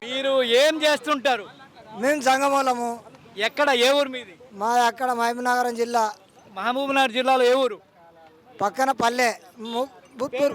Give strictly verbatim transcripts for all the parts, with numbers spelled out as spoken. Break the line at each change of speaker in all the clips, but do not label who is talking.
మీరు ఏం చేస్తుంటారు?
మేము సంగమూలము.
ఎక్కడ, ఏ ఊరు మీది?
మా అక్కడ మహబూబ్నగర్ జిల్లా.
మహబూబ్నగర్ జిల్లాలో ఏ ఊరు?
పక్కన పల్లె బుత్తూరు.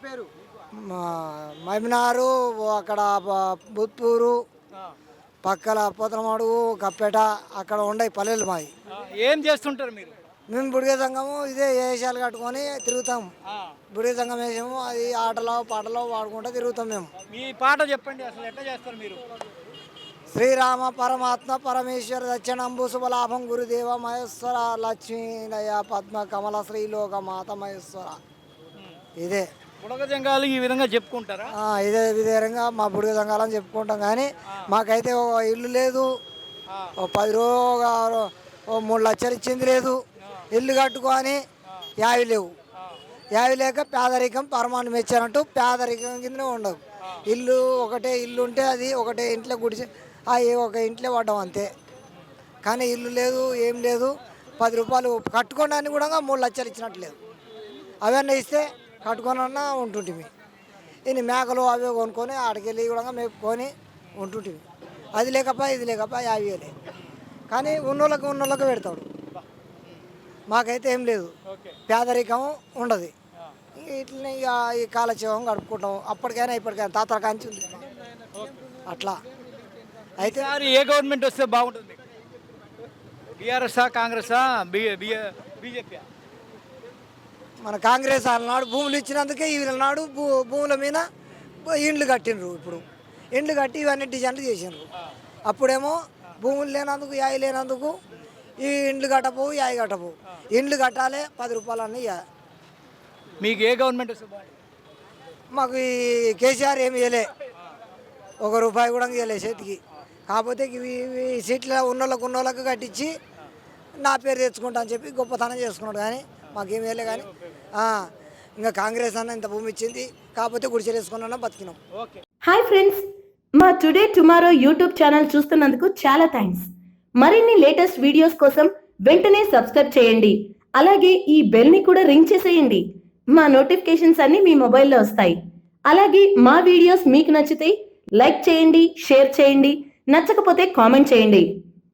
మహబూబ్నగర్ అక్కడ బుత్తూరు పక్కల పోతనమాడు కప్పేట అక్కడ ఉండే పల్లెలు మావి.
ఏం చేస్తుంటారు మీరు?
మేము బుడిగ సంఘము ఇదే వేషాలు కట్టుకొని తిరుగుతాం. బుడిగ సంఘం వేసాము, అది ఆటలో పాటలో వాడుకుంటూ తిరుగుతాం. మేము
మీ పాట చెప్పండి, అసలు ఎట్లా చేస్తారు మీరు?
శ్రీరామ పరమాత్మ పరమేశ్వర దక్షిణంబు శుభలాభం గురుదేవ మహేశ్వర లక్ష్మీనయ పద్మ కమల శ్రీలోక మాత మహేశ్వర. ఇదే
బుడగ జంగాలు ఈ విధంగా చెప్పుకుంటారా?
ఇదే విధంగా మా బుడిగ సంఘాలని చెప్పుకుంటాం. కానీ మాకైతే ఓ ఇల్లు లేదు, ఓ పది రోజు ఓ మూడు లక్షలు ఇచ్చింది లేదు. ఇల్లు కట్టుకొని యావి లేవు. యావి లేక పేదరికం పరమాన్ని మెచ్చారంటూ పేదరికం కిందనే ఉండవు. ఇల్లు ఒకటే ఇల్లు ఉంటే అది ఒకటే ఇంట్లో గుడిసి అవి ఒక ఇంట్లో పడ్డాం అంతే. కానీ ఇల్లు లేదు, ఏం లేదు. పది రూపాయలు కట్టుకోవడానికి కూడా మూడు లక్షలు ఇచ్చినట్టు లేదు. అవన్నీ ఇస్తే కట్టుకొనన్నా ఉంటుంటివి. ఇన్ని మేకలు అవి కొనుక్కొని ఆడికెళ్ళి కూడా మేపుకొని ఉంటుంటివి. అది లేకపో ఇది లేకపో యాభై వేలే. కానీ ఉన్నోళ్ళకి ఉన్నోళ్ళకి పెడతాడు. మాకైతే ఏం లేదు, పేదరికం ఉండదు. ఇట్లనే ఇక ఈ కాలక్షేమం గడుపుకుంటాం. అప్పటికైనా ఇప్పటికైనా తాతల కాంచి ఉంది అట్లా. అయితే
ఏ గవర్నమెంట్ వస్తే బాగుంటుంది? బీఆర్ఎస్ఆ, కాంగ్రెసా, బీజేపీ?
మన కాంగ్రెస్ వాళ్ళనాడు భూములు ఇచ్చినందుకే వీళ్ళనాడు భూ భూముల మీద ఇండ్లు కట్టినరు. ఇప్పుడు ఇండ్లు కట్టి ఇవన్నీ డిజైన్లు చేసినారు. అప్పుడేమో భూములు లేనందుకు యాయి లేనందుకు ఈ ఇండ్లు కట్టపోవు, యాయి కట్టపోవు. ఇండ్లు కట్టాలి, పది రూపాయలు అన్నీ.
మీకు ఏ గవర్నమెంట్ వస్తే బాగుంటుంది?
మాకు ఈ కేసీఆర్ ఏమి ఇవ్వలే, ఒక రూపాయి కూడా ఇవ్వలే చేతికి. కాకపోతే ఇవి సీట్ల ఉన్నోళ్ళకు ఉన్నోళ్ళకు కట్టించి నా పేరు తెచ్చుకుంటా అని చెప్పి గొప్పతనం చేసుకున్నాడు. కానీ మాకేం వేయలే. కానీ ఇంకా కాంగ్రెస్ అన్న ఇంత భూమి ఇచ్చింది, కాకపోతే గుడిసెలు వేసుకున్నా బతికినాం.
హాయ్ ఫ్రెండ్స్, మా టుడే టుమారో యూట్యూబ్ ఛానల్ చూస్తున్నందుకు చాలా థ్యాంక్స్. మరిన్ని లేటెస్ట్ వీడియోస్ కోసం వెంటనే సబ్స్క్రైబ్ చేయండి. అలాగే ఈ బెల్ ని కూడా రింగ్ చేసేయండి. మా నోటిఫికేషన్స్ అన్ని మీ మొబైల్లో వస్తాయి. అలాగే మా వీడియోస్ మీకు నచ్చితే లైక్ చేయండి, షేర్ చేయండి, నచ్చకపోతే కామెంట్ చేయండి.